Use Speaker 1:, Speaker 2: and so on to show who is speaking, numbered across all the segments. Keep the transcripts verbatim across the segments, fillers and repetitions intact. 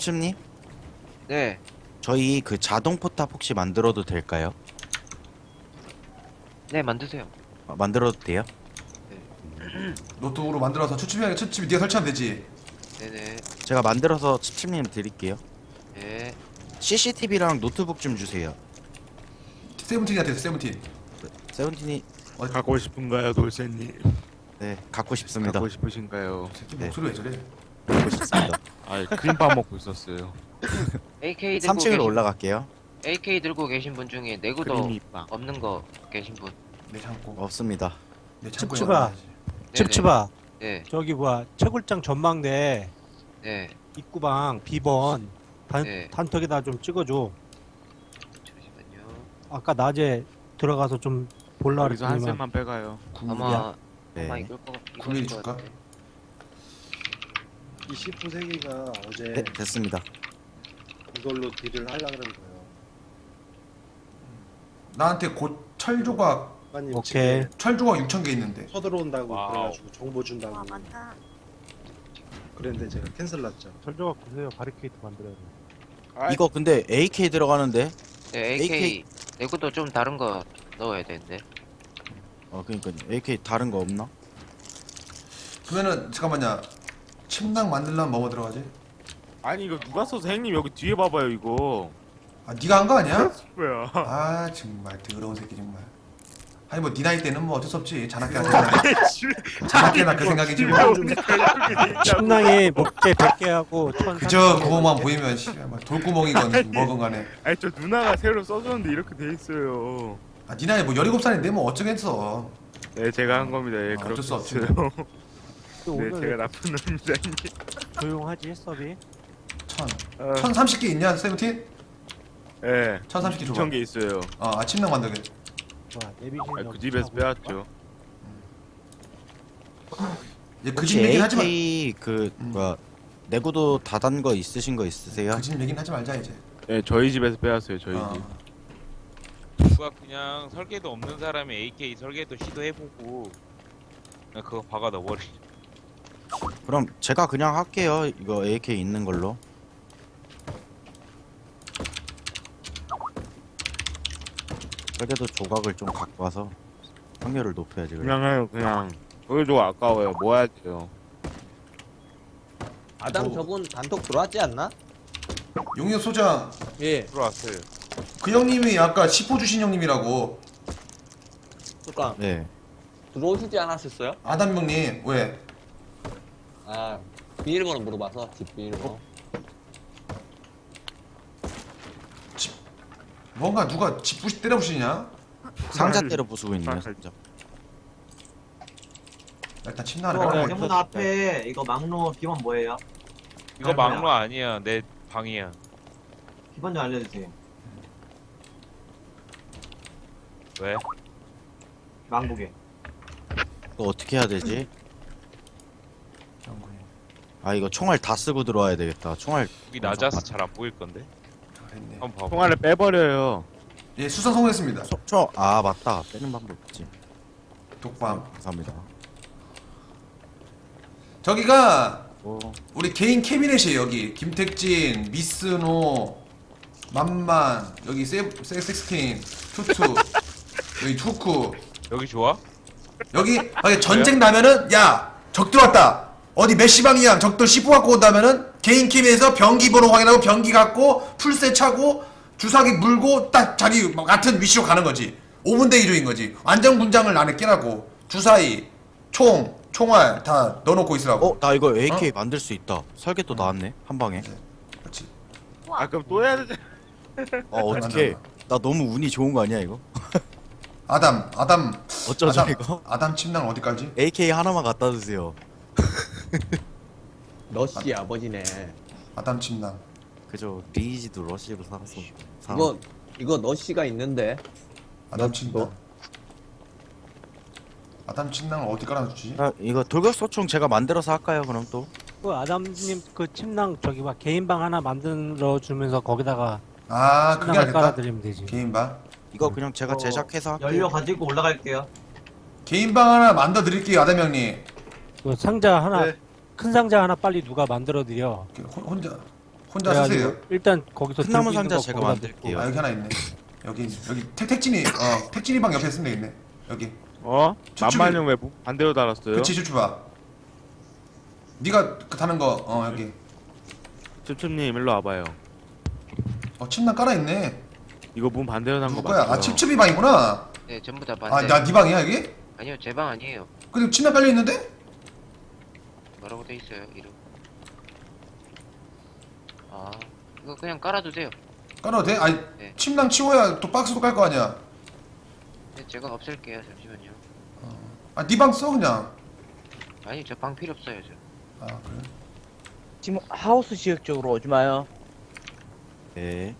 Speaker 1: 칩칩님,
Speaker 2: 네.
Speaker 1: 저희 그 자동 포탑 혹시 만들어도 될까요?
Speaker 2: 네, 만드세요.
Speaker 1: 아, 만들어도 돼요?
Speaker 3: 노트북으로 만들어서 추침이 추침이 네가 설치하면 되지.
Speaker 2: 네네.
Speaker 1: 제가 만들어서 칩칩님 드릴게요.
Speaker 2: 네.
Speaker 1: 씨씨티비랑 노트북 좀 주세요.
Speaker 3: 세븐틴한테 있어, 세븐틴.
Speaker 1: 세븐틴이
Speaker 4: 갖고 싶은가요, 돌쇠님?
Speaker 1: 네 갖고 싶습니다.
Speaker 4: 갖고 싶으신가요?
Speaker 3: 새끼
Speaker 1: 네.
Speaker 3: 목소리 왜 저래?
Speaker 1: 갖고 싶습니다.
Speaker 4: 아, 크림밥 먹고 있었어요.
Speaker 2: 에이케이 들고
Speaker 1: 삼 층으로
Speaker 2: 계신,
Speaker 1: 올라갈게요.
Speaker 2: 에이케이 들고 계신 분 중에 내구도
Speaker 4: 크림이빵.
Speaker 2: 없는 거 계신 분.
Speaker 3: 내 창고.
Speaker 1: 없습니다.
Speaker 3: 내 창고에
Speaker 5: 칩칩아.
Speaker 3: 넣어놔야지.
Speaker 2: 네네.
Speaker 5: 칩칩아
Speaker 2: 네.
Speaker 5: 저기 뭐야 채굴장 전망대
Speaker 2: 네.
Speaker 5: 입구방 비번 단,
Speaker 2: 네.
Speaker 5: 단톡에다 좀 찍어줘.
Speaker 2: 잠시만요.
Speaker 5: 아까 낮에 들어가서 좀 볼라
Speaker 4: 여기서 한
Speaker 5: 그랬더니만
Speaker 4: 셈만 빼가요.
Speaker 2: 아마
Speaker 1: 네.
Speaker 2: 아마 이걸 거 이걸
Speaker 3: 구밀이
Speaker 2: 거
Speaker 3: 줄까?
Speaker 2: 같은데.
Speaker 6: 이십구 세기가 어제
Speaker 1: 네 됐습니다.
Speaker 6: 이걸로 딜을 하려 그런 거예요.
Speaker 3: 나한테 곧 철조각
Speaker 6: 아빠님
Speaker 5: 오케이.
Speaker 6: 집에
Speaker 3: 철조각 육천 개 있는데.
Speaker 6: 서들어온다고
Speaker 7: 와우.
Speaker 6: 그래가지고 정보 준다고
Speaker 8: 와 많다.
Speaker 6: 그랬는데 제가 캔슬 났죠.
Speaker 5: 철조각 구세요. 바리케이트 만들어야 돼.
Speaker 1: 이거 근데 에이케이 들어가는데.
Speaker 2: 네, 에이케이
Speaker 1: 에이케이.
Speaker 2: 내구도 좀 다른 거 넣어야 되는데.
Speaker 1: 어 그러니까 에이케이 다른 거 없나?
Speaker 3: 그러면은 잠깐만요. 침낭 만들려면 뭐뭐 들어가지?
Speaker 4: 아니 이거 누가 써서 형님 여기 뒤에 봐봐요 이거.
Speaker 3: 아 네가 한 거 아니야?
Speaker 4: 뭐야?
Speaker 3: 아 정말 더러운 새끼 정말. 아니 뭐 네 나이 때는 뭐 어쩔 수 없지. 자나깨나 그 생각. 자나깨나 그 생각이지 뭐.
Speaker 5: 침낭에 목재 백 개 하고 천
Speaker 3: 그저 그거만 보이면 씨, 뭐 돌구멍이건 뭐건 간에.
Speaker 4: 아니 저 누나가 새로 써줬는데 이렇게 돼 있어요.
Speaker 3: 아 네 나이 뭐 열일곱 살인데 뭐 어쩌겠어.
Speaker 4: 네 제가 한 겁니다. 예,
Speaker 3: 아,
Speaker 4: 그렇게
Speaker 3: 어쩔 수 없지.
Speaker 4: 했어요.
Speaker 5: 또
Speaker 4: 네
Speaker 5: 오늘
Speaker 4: 제가 나쁜 놈입니다. 형님.
Speaker 5: 조용하지 서비.
Speaker 3: 천.
Speaker 4: 어,
Speaker 3: 천삼십 개 있냐 세븐틴?
Speaker 4: 예.
Speaker 3: 천삼십 개 줘봐.
Speaker 4: 이천 개 있어요.
Speaker 3: 어, 아 침낭 만들게.
Speaker 5: 뭐야 내비신
Speaker 4: 아, 그 집에서 빼왔죠.
Speaker 3: 얘 그
Speaker 1: 혹시
Speaker 3: 집 얘기는 하지 마.
Speaker 1: 에이케이 그
Speaker 3: 음.
Speaker 1: 뭐야 내구도 다단 거 있으신 거 있으세요?
Speaker 3: 그 집 얘기는 하지 말자 이제.
Speaker 4: 네 저희 집에서 빼왔어요. 저희
Speaker 3: 어.
Speaker 4: 집.
Speaker 7: 누가 그냥 설계도 없는 사람이 에이케이 설계도 시도해보고 그냥 그거 박아 넣어버리.
Speaker 1: 그럼 제가 그냥 할게요. 이거 에이케이 있는 걸로. 설계도 조각을 좀 갖고 와서 확률을 높여야지. 그래.
Speaker 4: 그냥 해요 그냥. 그래도 아까워요. 뭐 해야 돼요?
Speaker 9: 아담
Speaker 3: 뭐.
Speaker 9: 저분 단톡 들어왔지 않나?
Speaker 3: 용역 소장
Speaker 9: 예.
Speaker 7: 들어왔어요.
Speaker 3: 그 형님이 아까 십호 주신 형님이라고.
Speaker 9: 그러니까
Speaker 1: 네.
Speaker 9: 들어오시지 않았었어요?
Speaker 3: 아담 형님 왜?
Speaker 9: 아 비밀번호 물어봐서 집 비밀번호.
Speaker 3: 뭔가 누가 집 부시 때려 부시냐?
Speaker 1: 상자 때려 부수고 있네요.
Speaker 4: 아,
Speaker 1: 상자.
Speaker 3: 일단 침낭을
Speaker 5: 어,
Speaker 3: 깔아야
Speaker 5: 대문
Speaker 10: 앞에 이거 막로 비번 뭐예요?
Speaker 7: 이거 막로 아니야. 내 방이야.
Speaker 10: 비번 좀 알려주세요.
Speaker 7: 왜?
Speaker 10: 망국에.
Speaker 1: 이거 어떻게 해야 되지? 아 이거 총알 다 쓰고 들어와야 되겠다. 총알
Speaker 7: 여기 낮아서 잘 안 보일 건데.
Speaker 3: 그랬네.
Speaker 7: 한번 봐봐.
Speaker 4: 통화를 빼버려요.
Speaker 3: 예 수상 성공했습니다.
Speaker 1: 총, 총, 아 맞다. 빼는 방법 있지.
Speaker 3: 독밤.
Speaker 1: 감사합니다.
Speaker 3: 저기가
Speaker 1: 오.
Speaker 3: 우리 개인 캐비넷이에요. 여기 김택진, 미스노, 만만, 여기 세 섹스틴, 투투, 여기 투쿠.
Speaker 7: 여기 좋아?
Speaker 3: 여기 만약에 전쟁 나면은 야 적 들어왔다. 어디 메시 방이야. 적들 십 호 갖고 온다면은 개인 캠에서 병기 번호 확인하고 병기 갖고 풀세 차고 주사기 물고 딱 자기 같은 위치로 가는 거지. 오 분 대기조인 거지. 안전 군장을 안에 끼라고. 주사위, 총, 총알 다 넣어놓고 있으라고.
Speaker 1: 어, 나 이거 에이케이 만들 수 있다. 설계도 나왔네. 한 방에.
Speaker 3: 그렇지.
Speaker 4: 아 그럼 또 해야 되지.
Speaker 1: 어, 어떻게? 나 너무 운이 좋은 거 아니야, 이거?
Speaker 3: 아담, 아담,
Speaker 1: 어쩌죠,
Speaker 3: 아담,
Speaker 1: 이거?
Speaker 3: 아담 침낭 어디 깔지?
Speaker 1: 에이케이 하나만 갖다 주세요.
Speaker 9: 너씨 아버지네.
Speaker 3: 아담 침낭.
Speaker 1: 그죠. 리이지도 러시로 살았어. 살아.
Speaker 9: 이거 이거 너씨가 있는데.
Speaker 3: 아담
Speaker 9: 너-
Speaker 3: 침낭.
Speaker 9: 너-
Speaker 3: 아담 침낭을 어디 깔아주지?
Speaker 1: 아, 이거 돌격소총 제가 만들어서 할까요, 그럼 또?
Speaker 5: 그 아담님 그 침낭 저기 막 개인 방 하나 만들어 주면서 거기다가
Speaker 3: 아 그게
Speaker 5: 침낭을
Speaker 3: 알겠다.
Speaker 5: 깔아드리면 되지.
Speaker 3: 개인 방.
Speaker 1: 이거 그냥 제가
Speaker 10: 어,
Speaker 1: 제작해서 할게요.
Speaker 10: 연료 가지고 올라갈게요.
Speaker 3: 개인 방 하나 만들어 드릴게요, 아담 형님.
Speaker 5: 그 상자 하나
Speaker 6: 네.
Speaker 5: 큰 상자 하나 빨리 누가 만들어 드려.
Speaker 3: 그 혼- 혼자 혼자
Speaker 5: 그래가지고
Speaker 3: 쓰세요.
Speaker 5: 일단 거기서
Speaker 1: 큰 나무
Speaker 5: 들고 있는
Speaker 1: 상자
Speaker 5: 거
Speaker 1: 제가
Speaker 5: 거기다
Speaker 1: 만들게요.
Speaker 3: 아 여기 하나 있네. 여기 여기 택 택진이 어 택진이 방 옆에 쓰면 되겠네. 여기.
Speaker 4: 어?
Speaker 3: 추측이-
Speaker 4: 만만형 왜 반대로 달았어요?
Speaker 3: 그치 주주봐. 네가 그 타는 거 어 여기.
Speaker 4: 칩칩님 일로 와봐요.
Speaker 3: 어 침낭 깔아 있네.
Speaker 4: 이거 문 반대로 난 거
Speaker 3: 누구 거야?
Speaker 4: 맞죠?
Speaker 3: 아 칩칩이 방이구나.
Speaker 2: 네, 전부 다
Speaker 3: 아
Speaker 2: 반대.
Speaker 3: 나 네 방이야 여기?
Speaker 2: 아니요, 제 방 아니에요.
Speaker 3: 근데 침낭 깔려 있는데?
Speaker 2: 뭐라고 돼 있어요, 이름. 아, 이거 그냥 깔아두세요.
Speaker 3: 깔아도 돼? 아니
Speaker 2: 네.
Speaker 3: 침낭 치워야 또 박스도 깔 거 아니야.
Speaker 2: 네, 제가 없앨게요, 잠시만요.
Speaker 3: 아 네 방 써 그냥.
Speaker 2: 아니, 저 방 필요 없어요, 저.
Speaker 3: 아 그래?
Speaker 8: 지금 하우스 지역 쪽으로 오지 마요.
Speaker 1: 네.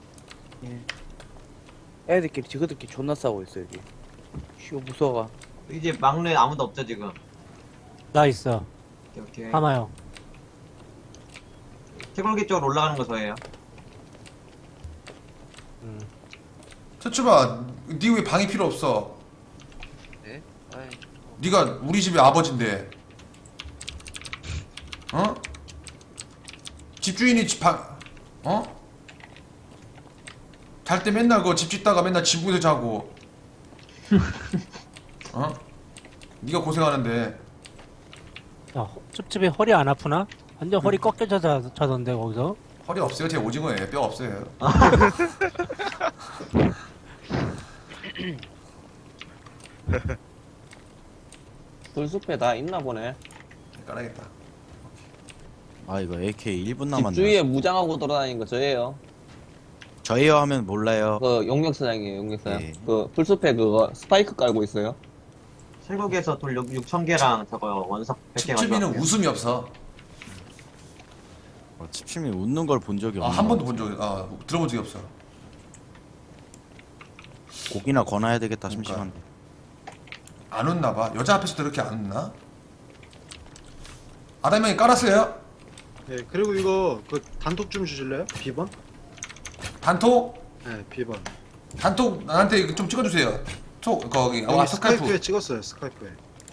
Speaker 8: 애들끼리 지그들끼리 존나 싸우고 있어 여기. 쉬워 무서워.
Speaker 10: 이제 막루에 아무도 없죠 지금.
Speaker 5: 나 있어.
Speaker 10: 오케이 오케이.
Speaker 5: 하나요.
Speaker 10: 태굴기 쪽으로 올라가는 거 저예요.
Speaker 5: 음.
Speaker 3: 서추봐, 네 왜 방이 필요 없어?
Speaker 2: 네? 아이,
Speaker 3: 네가 우리 집의 아버지인데, 어? 집주인이 집 방, 어? 잘 때 맨날 그 집 짓다가 맨날 지붕에서 자고, 어? 네가 고생하는데.
Speaker 5: 야, 허- 찝찝이 허리 안 아프나? 완전 허리 꺾여져 자, 자던데 거기서.
Speaker 3: 허리 없어요? 제 오징어예요. 뼈 없어요.
Speaker 9: 불숲에 다 있나 보네.
Speaker 3: 깔아야겠다.
Speaker 1: 아 이거 에이케이 일 분
Speaker 9: 집
Speaker 1: 남았네.
Speaker 9: 주위에 무장하고 돌아다니는 거 저예요.
Speaker 1: 저예요 하면 몰라요.
Speaker 9: 그 용역사장이에요, 용역사장.
Speaker 1: 예.
Speaker 9: 그 풀숲에 그거 스파이크 깔고 있어요.
Speaker 10: 태굴기에서 돌 육천 개랑 저거 원석 백 개
Speaker 3: 칩칩이는
Speaker 10: 가져왔어요.
Speaker 3: 웃음이 없어.
Speaker 1: 어, 칩칩이 웃는 걸 본 적이
Speaker 3: 아,
Speaker 1: 없는
Speaker 3: 한
Speaker 1: 것
Speaker 3: 번도 본 적이, 아, 들어본 적이 없어.
Speaker 1: 같아요. 고기나 권해야 되겠다
Speaker 3: 그러니까.
Speaker 1: 심심한데.
Speaker 3: 안 웃나 봐. 여자 앞에서도 이렇게 안 웃나? 아담 형이 깔았어요?
Speaker 6: 네, 그리고 이거 그 단톡 좀 주실래요? 비번?
Speaker 3: 단톡?
Speaker 6: 네, 비번.
Speaker 3: 단톡 나한테 이거 좀 찍어주세요. 톡 거기
Speaker 6: 여기
Speaker 3: 아
Speaker 6: 스카이프에
Speaker 3: 스카이프.
Speaker 6: 찍었어요, 스카이프에.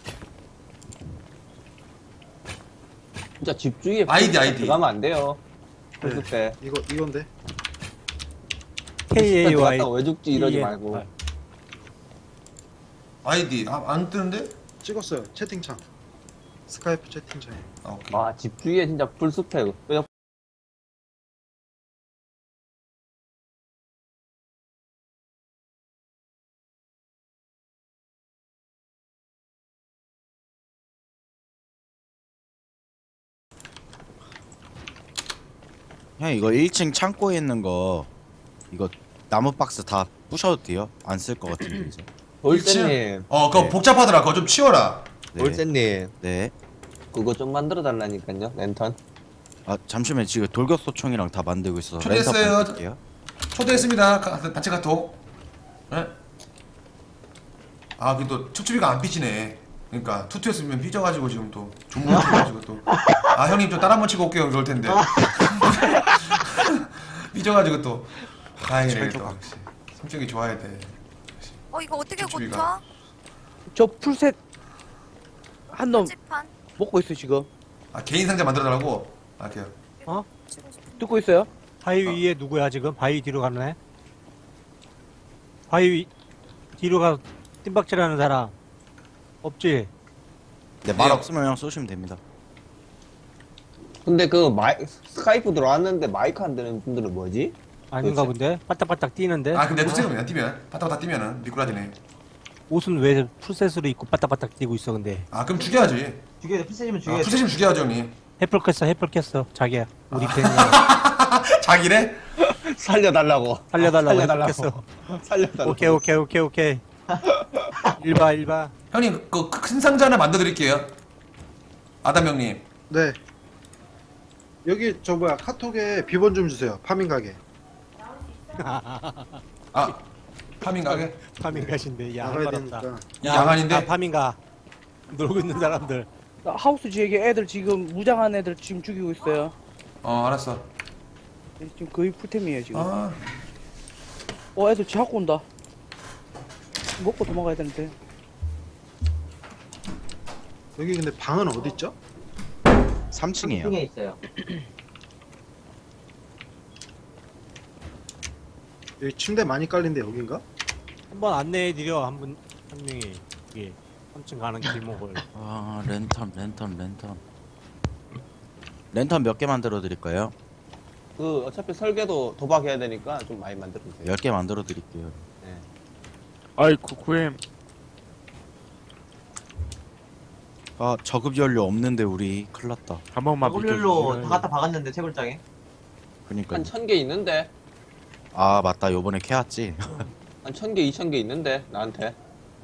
Speaker 9: 진짜 집 주위에
Speaker 3: 아이디,
Speaker 9: 풀숲에
Speaker 3: 아이디.
Speaker 9: 들어가면 안 돼요. 풀숲에.
Speaker 6: 이거 이건데.
Speaker 5: K A Y.
Speaker 9: 들어갔다가 왜 죽지 이러지
Speaker 5: 예.
Speaker 9: 말고.
Speaker 5: 아,
Speaker 3: 아이디 아, 안 뜨는데?
Speaker 6: 찍었어요, 채팅창. 스카이프 채팅창에.
Speaker 3: 아 오케이.
Speaker 9: 아, 집 주위에 진짜 풀숲에 그냥
Speaker 1: 형 이거 일 층 창고에 있는 거 이거 나무 박스 다 부셔도 돼요? 안 쓸 것 같은데 이제.
Speaker 9: 돌쇠님,
Speaker 3: 어 그거
Speaker 1: 네.
Speaker 3: 복잡하더라. 그거 좀 치워라.
Speaker 1: 네.
Speaker 9: 돌쇠님
Speaker 1: 네.
Speaker 9: 그거 좀 만들어 달라니까요, 랜턴.
Speaker 1: 아 잠시만 지금 돌격소총이랑 다 만들고 있어서
Speaker 3: 초대했어요.
Speaker 1: 랜선 보내드릴게요.
Speaker 3: 초대했습니다. 가- 단체 카톡. 예? 아 그또 춥춥이가 안 삐지네. 그러니까 투투였으면 삐져가지고 지금 또 존물 쳐가지고 또. 아 형님 좀 따라 한번 치고 올게요. 그럴 텐데. 삐져가지고 또. 다행이네 또. 역시. 성격이 좋아야 돼.
Speaker 11: 어 이거 어떻게
Speaker 3: 쭈쭈이가.
Speaker 11: 고쳐?
Speaker 8: 저 풀셋 한 놈
Speaker 11: 찝찝한
Speaker 8: 먹고 있어 지금.
Speaker 3: 아 개인 상자 만들어달라고. 아 그래요.
Speaker 11: 치고 싶은
Speaker 8: 듣고 있어요?
Speaker 5: 바위 위에 누구야 지금? 바위 뒤로 가네. 바위 위, 뒤로 가 뜀박질하는 사람 없지?
Speaker 1: 네, 말
Speaker 3: 네.
Speaker 1: 없으면 그냥 쏘시면 됩니다.
Speaker 9: 근데 그 마이 스카이프 들어왔는데 마이크 안 되는 분들은 뭐지?
Speaker 5: 아닌가
Speaker 9: 그렇지.
Speaker 5: 본데? 바닥바닥 뛰는데?
Speaker 3: 아 근데 투투 그냥 뛰면 바닥바닥 뛰면은 미꾸라지네.
Speaker 5: 옷은 왜 풀셋으로 입고 바닥바닥 뛰고 있어 근데?
Speaker 3: 아 그럼 죽여야지.
Speaker 10: 죽여 피세지면
Speaker 3: 아,
Speaker 10: 죽여.
Speaker 3: 푸세심 죽여야죠 형님.
Speaker 5: 해플 깼어 해플 깼어 자기야 우리 팬이
Speaker 3: 자기래?
Speaker 9: 살려달라고.
Speaker 5: 살려달라고 해플
Speaker 9: 살려달라고.
Speaker 5: 깼어.
Speaker 9: 살려달라고.
Speaker 5: 오케이 오케이 오케이 오케이 일봐 일봐
Speaker 3: 형님 그 큰 상자 하나 만들어드릴게요. 아담 형님.
Speaker 6: 네. 여기 저 뭐야 카톡에 비번 좀 주세요. 파밍 가게.
Speaker 3: 아 파밍 가게?
Speaker 5: 파밍 가신데 야
Speaker 6: 나가야
Speaker 5: 할말없다
Speaker 6: 되니까.
Speaker 3: 야간인데?
Speaker 5: 아, 파밍 가 놀고 있는 사람들
Speaker 8: 나 하우스 지역에 애들 지금 무장한 애들 지금 죽이고 있어요.
Speaker 3: 어 알았어.
Speaker 8: 지금 거의 풀템이에요 지금.
Speaker 3: 아
Speaker 8: 어 애들 지하고 온다. 먹고 도망가야 되는데.
Speaker 6: 여기 근데 방은 어디 있죠?
Speaker 1: 삼 층이에요.
Speaker 10: 층에 있어요.
Speaker 6: 여기 침대 많이 깔린데 여긴가?
Speaker 5: 한번 안내해 드려 한 분 한 명이 이게 삼 층 가는 길목을.
Speaker 1: 아 랜턴 랜턴 랜턴 랜턴 몇 개 만들어 드릴까요?
Speaker 9: 그 어차피 설계도 도박해야 되니까 좀 많이 만들어 주세요.
Speaker 1: 열 개 만들어 드릴게요.
Speaker 4: 아이 구구엠
Speaker 1: 아 저급 연료 없는데 우리 큰일 났다.
Speaker 4: 한 번만
Speaker 10: 더블유로
Speaker 4: 비켜주세요.
Speaker 10: 다 갖다 박았는데 채굴장에.
Speaker 1: 그니까
Speaker 9: 한 천 개 있는데
Speaker 1: 아 맞다 요번에 캐왔지.
Speaker 9: 한 천 개, 이천 개 있는데 나한테.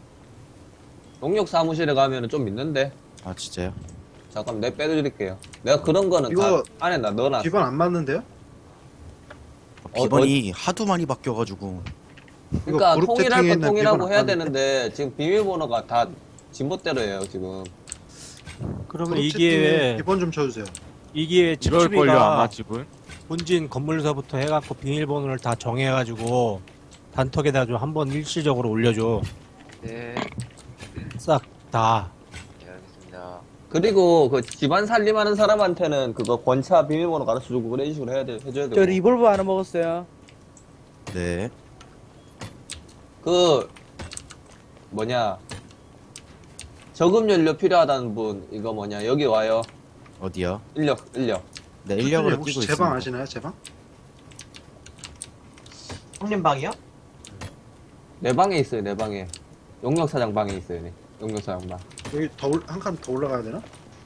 Speaker 9: 용역 사무실에 가면은 좀 있는데.
Speaker 1: 아 진짜요?
Speaker 9: 잠깐 내 빼드릴게요. 내가 그런 거는
Speaker 6: 이거
Speaker 9: 다 안에 나 넣어놨어.
Speaker 6: 비번 안 맞는데요?
Speaker 9: 어,
Speaker 1: 비번이 하도 많이 바뀌어가지고
Speaker 9: 그러니까
Speaker 6: 그룹
Speaker 9: 통일할
Speaker 6: 채팅에
Speaker 9: 거
Speaker 6: 있는
Speaker 9: 통일하고
Speaker 6: 비번
Speaker 9: 해야
Speaker 6: 안 맞는데?
Speaker 9: 되는데 지금 비밀번호가 다 진보대로예요 지금.
Speaker 5: 그러면
Speaker 6: 그룹
Speaker 5: 이
Speaker 6: 채팅에
Speaker 5: 기회에
Speaker 6: 비번 좀 쳐주세요.
Speaker 5: 이 기회에
Speaker 4: 이럴 걸요 아마
Speaker 5: 칩칩이가
Speaker 4: 지금.
Speaker 5: 본진 건물서부터 해갖고 비밀번호를 다 정해가지고 단톡에다 좀 한번 일시적으로 올려줘.
Speaker 2: 네,
Speaker 5: 싹 다.
Speaker 2: 네 알겠습니다.
Speaker 9: 그리고 그 집안 살림하는 사람한테는 그거 권차 비밀번호 가르쳐주고 그런 식으로 해야 돼 해줘야
Speaker 8: 저
Speaker 9: 되고.
Speaker 8: 리볼버 하나 먹었어요.
Speaker 1: 네
Speaker 9: 그 뭐냐 저금 연료 필요하다는 분 이거 뭐냐 여기 와요.
Speaker 1: 어디요?
Speaker 9: 인력 인력.
Speaker 1: 네 인력으로
Speaker 6: 혹시
Speaker 1: 뛰고
Speaker 6: 제 방
Speaker 1: 있습니다.
Speaker 6: 아시나요? 제 방?
Speaker 10: 형님 방이요?
Speaker 9: 내 방에 있어요 내 방에. 용역 사장 방에 있어요. 네. 용역 사장 방.
Speaker 6: 여기 더 한 칸 더 올라가야 되나?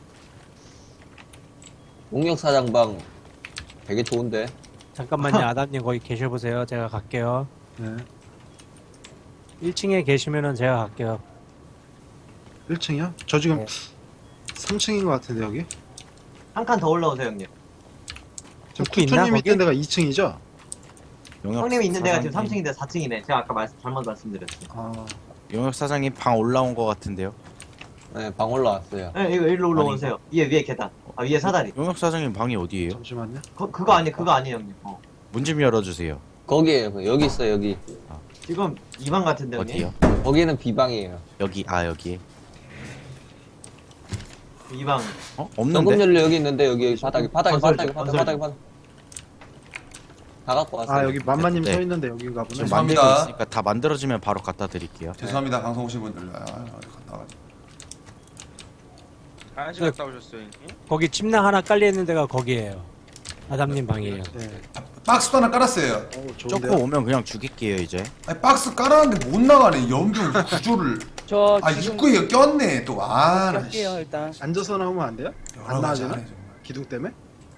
Speaker 9: 용역 사장 방 되게 좋은데.
Speaker 5: 잠깐만요, 아담님 거기 계셔보세요. 제가 갈게요.
Speaker 6: 네.
Speaker 5: 일 층에 계시면은 제가 갈게요.
Speaker 6: 일 층이요? 저 지금
Speaker 5: 네.
Speaker 6: 삼 층인 것 같은데 여기?
Speaker 10: 한 칸 더 올라오세요 형님.
Speaker 6: 지금
Speaker 5: 도끼 있나,
Speaker 6: 투투님이
Speaker 5: 거기?
Speaker 6: 있던 데가 이 층이죠?
Speaker 1: 용역
Speaker 10: 형님이 있는 데가 지금 삼
Speaker 1: 사장님.
Speaker 10: 층인데 사 층이네. 제가 아까 말씀 잘못 말씀드렸어요.
Speaker 6: 아
Speaker 1: 용역 사장님 방 올라온 것 같은데요?
Speaker 9: 네, 방 올라왔어요.
Speaker 10: 네, 이거 일로 올라오세요. 위에 위에 계단. 아 위에 사다리.
Speaker 1: 용역 사장님 방이 어디예요?
Speaker 6: 잠시만요.
Speaker 10: 그 그거 아니 그거 아니에요 형님. 어.
Speaker 1: 문 좀 열어주세요.
Speaker 9: 거기에요. 여기 있어 여기.
Speaker 10: 지금 이 방 같은데 형님.
Speaker 1: 어디요?
Speaker 9: 거기는 비방이에요.
Speaker 1: 여기 아 여기.
Speaker 10: 이 방.
Speaker 1: 어?
Speaker 9: 저금
Speaker 1: 없는데?
Speaker 9: 연료 여기 있는데 여기 바닥에 바닥에
Speaker 10: 건설
Speaker 9: 바닥에
Speaker 10: 좀,
Speaker 9: 바닥에
Speaker 10: 건설
Speaker 9: 바닥에 바닥에. 다 갖고 왔어요.
Speaker 6: 아 여기 만마님
Speaker 1: 네.
Speaker 6: 서 있는데 여기인가 보네.
Speaker 1: 지금
Speaker 3: 죄송합니다.
Speaker 1: 만들고 있으니까 다 만들어지면 바로 갖다 드릴게요.
Speaker 3: 죄송합니다 방송 오신 분들. 아, 어디 갔다 와가지고.
Speaker 7: 한 시간 싸우셨어요 형님?
Speaker 5: 거기 침낭 하나 깔려있는 데가 거기에요. 아담님 방이에요.
Speaker 6: 네.
Speaker 3: 박스도 하나 깔았어요.
Speaker 6: 어
Speaker 1: 쪼코
Speaker 6: 좋은데요?
Speaker 1: 오면 그냥 죽일게요 이제.
Speaker 3: 아니 박스 깔았는데 못 나가네. 연결 구조를.
Speaker 8: 저
Speaker 3: 아
Speaker 8: 지금
Speaker 3: 입구에 꼈네 또. 아, 나 씨.
Speaker 8: 할게요 일단.
Speaker 6: 앉아서 나오면 안 돼요?
Speaker 3: 여러
Speaker 6: 안
Speaker 3: 가지
Speaker 6: 나와지나?
Speaker 3: 하네, 정말.
Speaker 6: 기둥 때문에?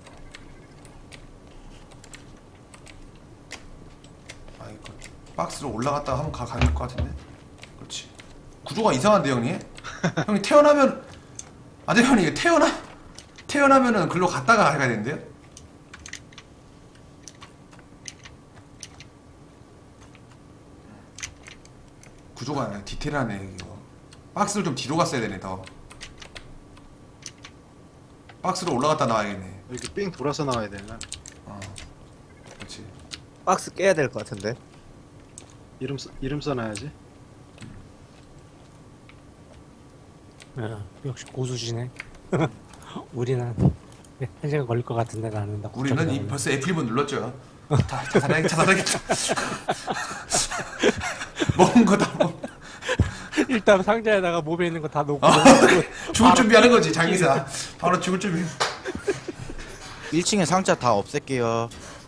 Speaker 3: 아 이거 박스로 올라갔다가 한번 가 가릴 것 같은데. 그렇지. 구조가 이상한데 형님. 형님 태어나면 아 대현이 이거 태어나 태어나면은 글로 갔다가 가야 되는데요? 구조가 디테일하네 이거. 박스를 좀 뒤로 갔어야 되네 더. 박스로 올라갔다 나와야겠네.
Speaker 6: 이렇게 삥 돌아서 나와야 되나?
Speaker 3: 어. 그렇지.
Speaker 12: 박스 깨야 될 것 같은데.
Speaker 6: 이름 써, 이름 써놔야지.
Speaker 5: 어, 역시 고수시네. 우리는 한 시간 걸릴 것 같은데 나는 나
Speaker 3: 우리는
Speaker 5: 걱정이
Speaker 3: 이
Speaker 5: 나네.
Speaker 3: 벌써 에프 일 번 눌렀죠. 다 자살하겠다 자살하겠다. 먹은 거 다 먹.
Speaker 5: 일단 상자에다가 몸에 있는 거 다 놓고
Speaker 3: 죽을 준비하는 거지 장기사. 바로 죽을 준비.
Speaker 1: 일 층에 상자 다 없앨게요.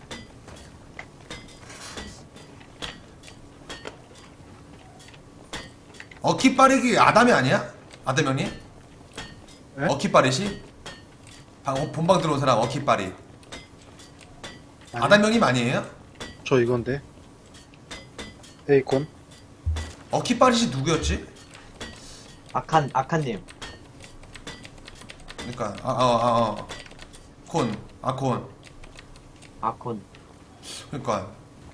Speaker 3: 어키 빠르기 아담이 아니야? 아담 형님?
Speaker 6: 네?
Speaker 3: 어키 빠르시? 방 본방 들어온 사람 어키 빠리.
Speaker 6: 아니,
Speaker 3: 아담 형님 아니에요?
Speaker 6: 저 이건데. 에이콘.
Speaker 3: 어키 빠리시 누구였지?
Speaker 10: 아칸 아칸님.
Speaker 3: 그러니까 아어아 어, 어. 콘 아콘.
Speaker 10: 아콘.
Speaker 3: 그러니까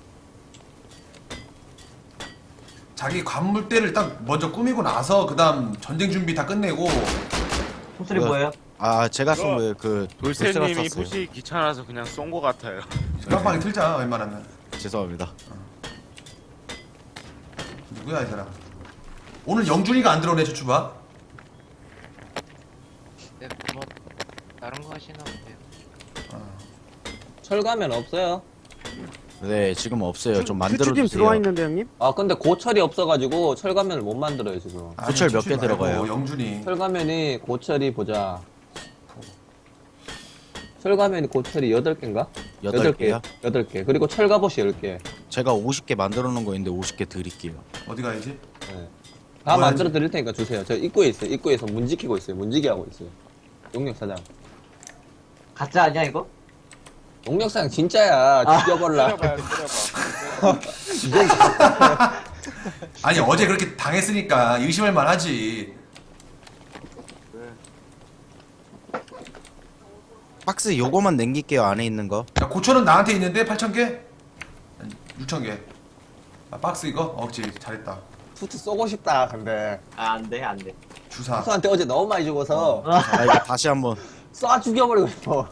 Speaker 3: 자기 관물대를 딱 먼저 꾸미고 나서 그다음 전쟁 준비 다 끝내고.
Speaker 10: 총소리
Speaker 1: 뭐야?
Speaker 10: 뭐예요?
Speaker 1: 아 제가 쏜 거예요. 그 돌쇠가
Speaker 4: 돌쇠님이
Speaker 1: 쐈어요.
Speaker 4: 푸시 귀찮아서 그냥 쏜 거 같아요.
Speaker 3: 깜빡이 틀자 웬만하면.
Speaker 1: 죄송합니다.
Speaker 3: 누구야 이 사람? 오늘 영준이가 안 들어오네 주추바.
Speaker 2: 네, 뭐 다른 거 하시나 본데요.
Speaker 3: 어.
Speaker 9: 철가면 없어요.
Speaker 1: 네 지금 없어요. 좀 만들어
Speaker 12: 슈츠님
Speaker 1: 주세요.
Speaker 12: 들어와 있는데 형님?
Speaker 9: 아 근데 고철이 없어가지고 철가면을 못 만들어요 지금.
Speaker 3: 아니,
Speaker 1: 고철 몇
Speaker 3: 춥지
Speaker 1: 개
Speaker 3: 말고
Speaker 1: 들어가요?
Speaker 3: 영준이.
Speaker 9: 철가면이 고철이 보자. 철가면이 고철이 여덟 개인가?
Speaker 1: 여덟 개요?
Speaker 9: 여덟 개. 그리고 철갑옷이 열 개.
Speaker 1: 제가 오십 개 만들어 놓은 거 있는데 오십 개 드릴게요.
Speaker 3: 어디 가야지?
Speaker 9: 네. 다
Speaker 3: 뭐야지?
Speaker 9: 만들어 드릴 테니까 주세요. 저 입구에 있어요. 입구에서 문 지키고 있어요. 문지기 하고 있어요. 용역사장.
Speaker 10: 가짜 아니야 이거?
Speaker 9: 용역사장 진짜야. 죽여버라.
Speaker 2: 때려봐요, 때려봐.
Speaker 3: 아니 어제 그렇게 당했으니까 의심할 만하지.
Speaker 1: 박스 요거만 남길게요. 안에 있는 거.
Speaker 3: 야, 고철은 나한테 있는데 팔천 개? 육천 개. 아, 박스 이거? 억지 잘했다.
Speaker 9: 투트 쏘고 싶다. 근데
Speaker 10: 아 안돼 안돼.
Speaker 3: 주사.
Speaker 9: 투트한테 어제 너무 많이 죽어서
Speaker 1: 아 이거 다시 한번.
Speaker 9: 쏴 죽여버리고 싶어.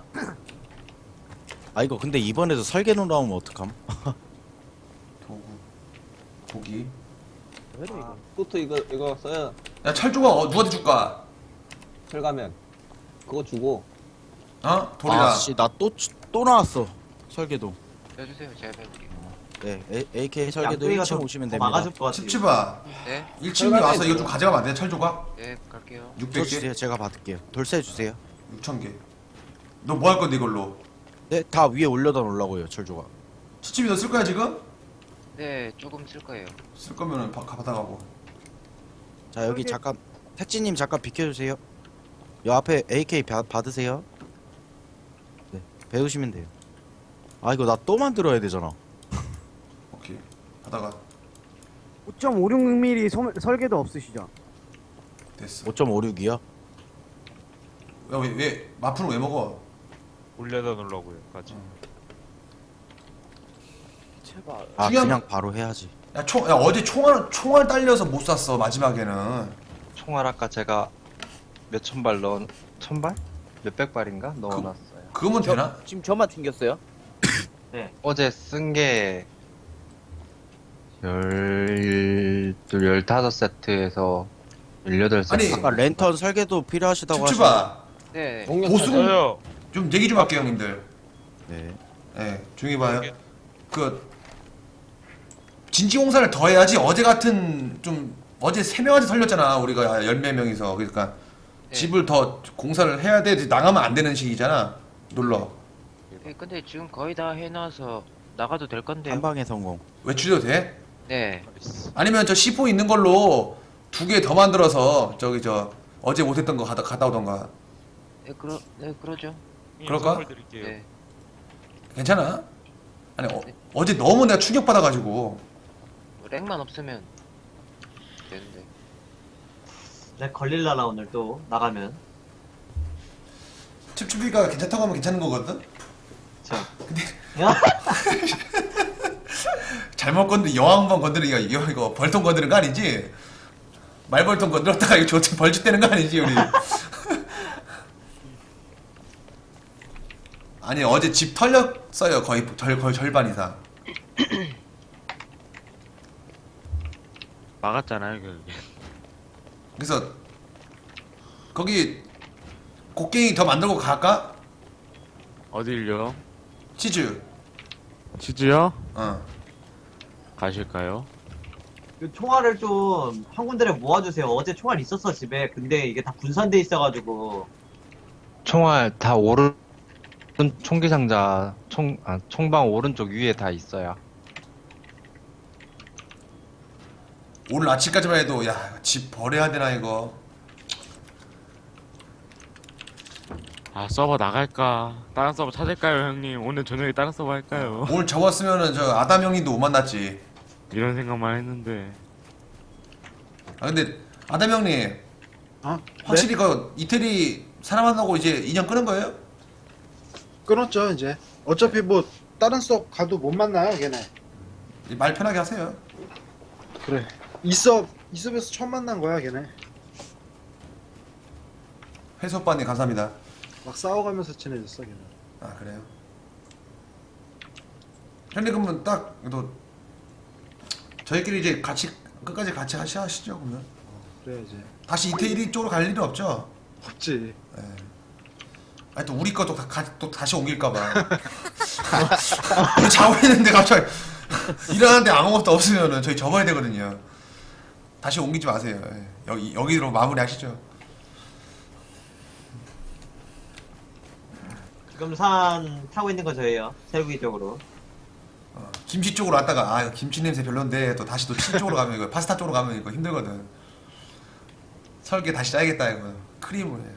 Speaker 1: 아 이거 근데 이번에도 설계로 나오면 어떡함?
Speaker 3: 도구. 고기.
Speaker 9: 투트 이거 이거 써요.
Speaker 3: 야 철조각 어, 누구한테 줄까?
Speaker 9: 철가면 그거 주고.
Speaker 3: 어? 돌이라.
Speaker 1: 아씨 나 또 또 나왔어. 설계도.
Speaker 2: 해주세요. 제가 해볼게요.
Speaker 1: 네 A- 에이케이 설계도
Speaker 10: 양쪽이가
Speaker 1: 일 층
Speaker 10: 좀
Speaker 1: 오시면
Speaker 10: 더
Speaker 1: 됩니다.
Speaker 10: 막아줄 것 같아.
Speaker 3: 칩칩아.
Speaker 2: 네,
Speaker 3: 일 층에 와서 이거 좀 가져가면 안 돼? 철조각?
Speaker 2: 네, 갈게요.
Speaker 1: 저
Speaker 3: 육백 개?
Speaker 1: 주세요. 제가 받을게요. 돌쇠 주세요.
Speaker 3: 육천 개. 너 뭐 할 건데 이걸로?
Speaker 1: 네 다 위에 올려다 놓으려고요. 철조각.
Speaker 3: 칩칩이 너 쓸 거야 지금?
Speaker 2: 네, 조금 쓸 거예요.
Speaker 3: 쓸 거면은 바, 받아가고.
Speaker 1: 자 여기 잠깐 택지님 잠깐 비켜주세요. 요 앞에 에이케이 바, 받으세요. 네 배우시면 돼요. 아 이거 나 또 만들어야 되잖아.
Speaker 3: 오케이. 받아가.
Speaker 12: 오 점 오육 밀리미터 설계도 없으시죠?
Speaker 3: 됐어.
Speaker 1: 오 점 오육이요?
Speaker 3: 야왜 왜 마프는 왜 먹어?
Speaker 7: 올려다 놓으려고요. 같이.
Speaker 8: 제발.
Speaker 1: 아
Speaker 3: 중요한
Speaker 1: 그냥 바로 해야지.
Speaker 3: 야 총, 야 어제 총알 총알 딸려서 못 쐈어 마지막에는.
Speaker 13: 총알 아까 제가 몇천 발 넣은 천 발? 몇백 발인가 넣어놨어요.
Speaker 3: 그거면 되나?
Speaker 8: 지금 저만 튕겼어요?
Speaker 13: 어제 쓴 게 열, 열다섯 세트에서 열여덟 세트.
Speaker 3: 아니,
Speaker 1: 아까 랜턴 설계도 필요하시다고 하시는데.
Speaker 3: 칩칩아.
Speaker 2: 네,
Speaker 3: 보수
Speaker 7: 저요.
Speaker 3: 좀 얘기 좀 할게요 형님들.
Speaker 1: 네.
Speaker 3: 예, 조용히 봐요. 그 진지공사를 더 해야지. 어제 같은 좀 어제 세 명한테 털렸잖아 우리가 열몇 명이서. 그러니까
Speaker 2: 네.
Speaker 3: 집을 더 공사를 해야 돼. 나가면 안 되는 시기잖아. 놀러.
Speaker 2: 네, 근데 지금 거의 다 해놔서 나가도 될 건데요.
Speaker 1: 한 방에 성공.
Speaker 3: 외출해도 돼?
Speaker 2: 네,
Speaker 3: 아니면 저 씨포 있는 걸로 두 개 더 만들어서 저기 저 어제 못했던 거 가다 갔다 오던가.
Speaker 2: 네, 그러, 네, 그러죠.
Speaker 3: 그럴까?
Speaker 7: 선물 드릴게요.
Speaker 2: 네,
Speaker 3: 괜찮아? 아니 어, 어제 너무 내가 충격 받아가지고.
Speaker 2: 뭐 렉만 없으면 되는데.
Speaker 10: 내 걸릴라나 오늘 또 나가면.
Speaker 3: 칩칩이가 괜찮다고 하면 괜찮은 거거든?
Speaker 10: 자.
Speaker 3: 근데
Speaker 10: 야.
Speaker 3: 잘못 건드 여왕번 건드리기가 이거 이거 벌통 건드는 거 아니지? 말벌통 건드렸다가 이거 저한테 벌집 되는 거 아니지 우리? 아니 어제 집 털렸어요 거의 절, 거의 절반 이상.
Speaker 4: 막았잖아요 결국에.
Speaker 3: 그래서 거기 곡괭이 더 만들고 갈까?
Speaker 4: 어딜요?
Speaker 3: 치즈.
Speaker 4: 치즈요?
Speaker 3: 어.
Speaker 4: 가실까요?
Speaker 10: 그 총알을 좀 한 군데를 모아주세요. 어제 총알 있었어 집에. 근데 이게 다 분산돼 있어가지고.
Speaker 13: 총알 다 오른 총기 상자 총, 아, 총방 오른쪽 위에 다 있어요.
Speaker 3: 오늘 아침까지만 해도 야 집 버려야 되나 이거.
Speaker 4: 아 서버 나갈까? 다른 서버 찾을까요 형님? 오늘 저녁에 다른 서버 할까요?
Speaker 3: 오늘 접었으면은 저 아담 형님도 못 만났지.
Speaker 4: 이런 생각만 했는데.
Speaker 3: 아 근데 아담 형님
Speaker 6: 아,
Speaker 3: 확실히 그 이태리 사람 만나고 이제 인연 끊은 거예요?
Speaker 6: 끊었죠 이제. 어차피 뭐 다른 석 가도 못 만나요 걔네.
Speaker 3: 말 편하게 하세요.
Speaker 6: 그래. 이섭 이섭에서 처음 만난 거야 걔네.
Speaker 3: 회수 오빠님 감사합니다.
Speaker 6: 막 싸워가면서 친해졌어 걔네.
Speaker 3: 아 그래요? 형님 그러면 딱 너 저희끼리 이제 같이 끝까지 같이 하시 하시죠 그러면.
Speaker 6: 그래야지.
Speaker 3: 다시 이태리 쪽으로 갈 일은 없죠?
Speaker 6: 없지.
Speaker 3: 예. 아니 또 우리 것도 다, 가- 또 다시 옮길까봐. 우리 자고 있는데 갑자기 일어났는데 아무것도 없으면은 저희 접어야 되거든요. 다시 옮기지 마세요. 예. 여기 여기로 마무리하시죠.
Speaker 10: 지금 산 타고 있는 건 저예요. 세우기 쪽으로.
Speaker 3: 어, 김치 쪽으로 왔다가 아 이거 김치 냄새 별론데 또 다시 또 치 쪽으로 가면 이거 파스타 쪽으로 가면 이거 힘들거든. 설계 다시 짜야겠다 이거. 크림을 해.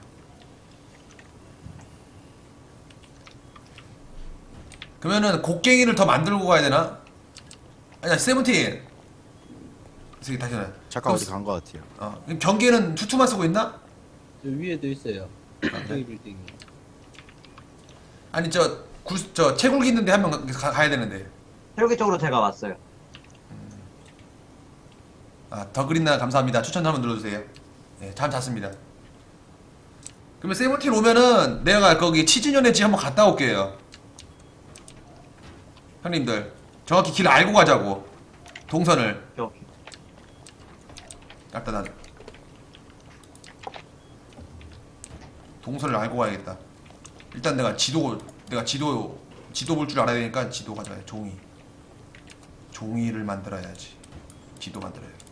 Speaker 3: 그러면은 곡괭이를 더 만들고 가야 되나? 아니야 세븐틴. 이 새끼 다시 나.
Speaker 1: 잠깐 어디 간 거 같아요.
Speaker 3: 어, 그럼 경계는 투투만 쓰고 있나?
Speaker 8: 저 위에도 있어요. 저기 빌딩.
Speaker 3: 아니 저 굴, 저 채굴기 있는데 한 명 가야 되는데.
Speaker 10: 세우기 쪽으로 제가 왔어요.
Speaker 3: 아, 더 그린나 감사합니다. 추천 한번 눌러주세요. 네, 참 잤습니다. 그러면 세븐틴 오면은 내가 거기 치즈년의 집 한번 갔다 올게요. 형님들 정확히 길 알고 가자고. 동선을.
Speaker 10: 오케이.
Speaker 3: 일단 난 동선을 알고 가야겠다. 일단 내가 지도 내가 지도 지도 볼 줄 알아야 되니까 지도 가져야 돼. 종이 종이를 만들어야지. 지도 만들어야 돼.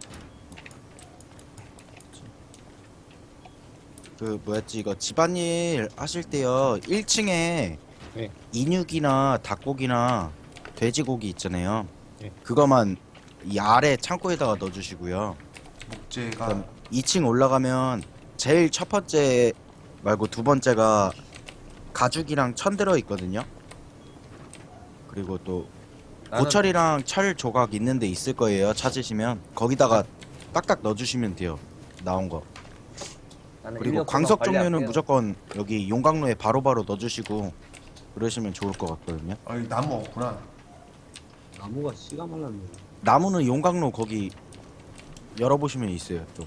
Speaker 1: 그 뭐였지 이거 집안일 하실 때요 일 층에
Speaker 5: 네.
Speaker 1: 인육이나 닭고기나 돼지고기 있잖아요.
Speaker 5: 네.
Speaker 1: 그거만 이 아래 창고에다가 넣어주시고요.
Speaker 3: 목재가
Speaker 1: 그럼 이 층 올라가면 제일 첫 번째 말고 두 번째가 가죽이랑 천 들어 있거든요. 그리고 또
Speaker 9: 나는-
Speaker 1: 고철이랑 철 조각 있는 데 있을 거예요. 찾으시면 거기다가 딱딱 넣어주시면 돼요. 나온 거.
Speaker 9: 나는
Speaker 1: 그리고
Speaker 9: 인력
Speaker 1: 광석
Speaker 9: 빨리
Speaker 1: 종류는
Speaker 9: 할게요.
Speaker 1: 무조건 여기 용광로에 바로바로 넣어주시고 그러시면 좋을 것 같거든요.
Speaker 3: 어이 나무 없구나.
Speaker 8: 나무가 씨가 말랐네.
Speaker 1: 나무는 용광로 거기 열어보시면 있어요. 또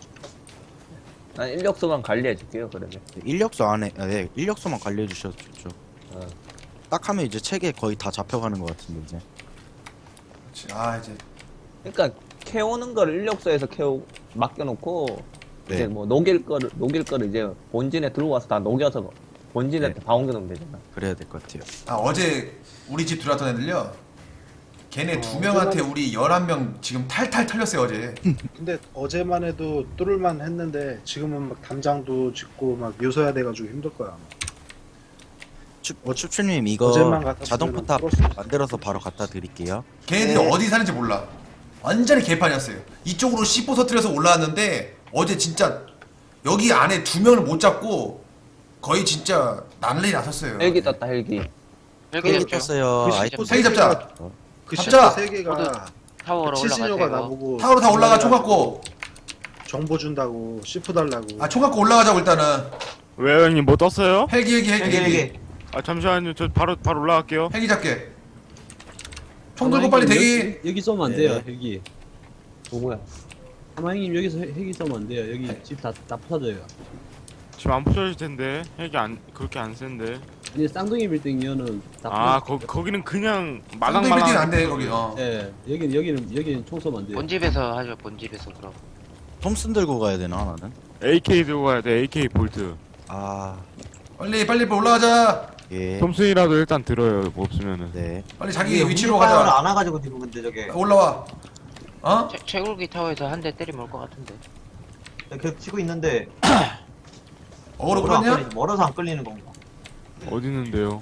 Speaker 9: 난 인력소만 관리해줄게요 그러면.
Speaker 1: 인력소 안에 아, 네 인력소만 관리해 주셔도 좋죠.
Speaker 9: 어.
Speaker 1: 딱 하면 이제 책에 거의 다 잡혀가는 것 같은데 이제.
Speaker 3: 그렇지. 아 이제
Speaker 9: 그러니까 캐오는 거를 인력소에서 캐오 맡겨놓고
Speaker 1: 네.
Speaker 9: 이제 뭐 녹일 거를 녹일 거를 이제 본진에 들고 와서 다 녹여서 본진에
Speaker 1: 네.
Speaker 9: 다 옮겨놓으면 되잖아.
Speaker 1: 그래야 될 것 같아요.
Speaker 3: 아 어제 우리 집 들어왔던 애들요. 걔네
Speaker 6: 어,
Speaker 3: 두 명한테 우리 열한 명 지금 탈탈 털렸어요 어제.
Speaker 6: 근데 어제만 해도 뚫을만 했는데 지금은 막 담장도 짓고 막 요소야 돼가지고 힘들 거야. 아마.
Speaker 1: 축, 어, 축추님 이거
Speaker 6: 어제만 같았으면
Speaker 1: 자동 포탑
Speaker 6: 풀었을 수 있어.
Speaker 1: 만들어서 바로 갖다 드릴게요.
Speaker 3: 걔네들이
Speaker 6: 네.
Speaker 3: 어디 사는지 몰라. 완전히 개판이었어요. 이쪽으로 씨포 터뜨려서 올라왔는데 어제 진짜 여기 안에 두 명을 못 잡고 거의 진짜 난리 났었어요.
Speaker 9: 헬기 떴다 헬기.
Speaker 2: 헬기
Speaker 1: 헬기
Speaker 2: 잡죠.
Speaker 1: 떴어요.
Speaker 6: 그
Speaker 1: 아이
Speaker 6: 시포
Speaker 3: 헬기
Speaker 6: 세
Speaker 3: 잡자.
Speaker 6: 개가- 그
Speaker 3: 잡자.
Speaker 6: 시포 세 개가
Speaker 2: 타워로
Speaker 6: 칠신여가
Speaker 2: 올라가세요.
Speaker 6: 나보고
Speaker 3: 타워로 다 올라가 총 갖고.
Speaker 6: 정보 준다고 시포 달라고.
Speaker 3: 아 총 갖고 올라가자고 일단은.
Speaker 4: 왜요 형님 뭐 떴어요?
Speaker 3: 헬기 헬기 헬기
Speaker 10: 헬기
Speaker 3: 헬기.
Speaker 10: 헬기.
Speaker 4: 아 잠시만요 저 바로 바로 올라갈게요.
Speaker 3: 헬기 잡게. 총 들고 빨리 대기.
Speaker 8: 여기, 여기 쏘면 안
Speaker 1: 네.
Speaker 8: 돼요, 헬기.
Speaker 9: 누구야?
Speaker 8: 사마형님 여기서 헬- 헬기 쏘면 안 돼요. 여기 집 다 다 부서져요.
Speaker 4: 지금 안 부서질 텐데 헬기 안 그렇게 안 센데.
Speaker 8: 아니 쌍둥이 빌딩이면은 다
Speaker 4: 아
Speaker 8: 부서-
Speaker 4: 거 거기는 그냥
Speaker 3: 말랑 빌딩
Speaker 4: 말랑말랑.
Speaker 3: 안돼 거기. 어.
Speaker 8: 예, 여기는 여기는 여기는 총 쏘면 안 돼요.
Speaker 2: 본집에서 하죠. 본집에서 그럼.
Speaker 1: 톰슨 들고 가야 되나 나는?
Speaker 4: 에이케이 들고 가야 돼. 에이케이 볼트.
Speaker 1: 아
Speaker 3: 빨리 빨리 빨리 올라가자.
Speaker 1: 예.
Speaker 4: 톰슨이라도 일단 들어요. 뭐 없으면은.
Speaker 1: 네.
Speaker 3: 빨리 자기
Speaker 10: 이게
Speaker 3: 위치로
Speaker 10: 옮길
Speaker 3: 가자.
Speaker 10: 안 와가지고 지금 근데 저게
Speaker 3: 올라와. 어?
Speaker 2: 채, 채굴기 타워에서 한 대 때리면 올 것 같은데.
Speaker 10: 계속 치고 있는데
Speaker 3: 어그로
Speaker 10: 멀어서 안
Speaker 3: 끌었냐?
Speaker 10: 끌리지, 멀어서 안 끌리는 건가?
Speaker 4: 어디 있는데요?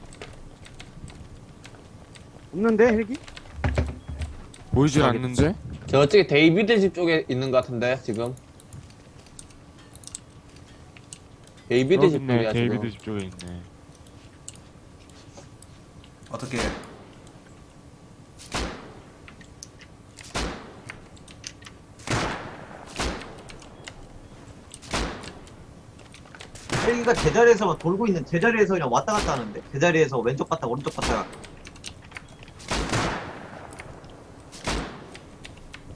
Speaker 12: 없는데 헬기?
Speaker 4: 보이질 않는데?
Speaker 9: 저쪽에 데이비드 집 쪽에 있는 것 같은데 지금. 데이비드
Speaker 4: 여기
Speaker 9: 집
Speaker 4: 있네.
Speaker 9: 쪽이야
Speaker 4: 데이비드
Speaker 9: 지금.
Speaker 4: 집 쪽에 있네.
Speaker 3: 어떻게?
Speaker 10: 헬기가 제자리에서 돌고 있는 제자리에서 그냥 왔다 갔다 하는데 제자리에서 왼쪽 갔다 오른쪽 갔다가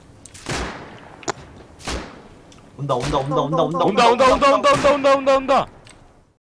Speaker 10: 온다 온다 온다 온다 온다
Speaker 4: 온다 온다 온다 온다 온다 온다 온다 온다.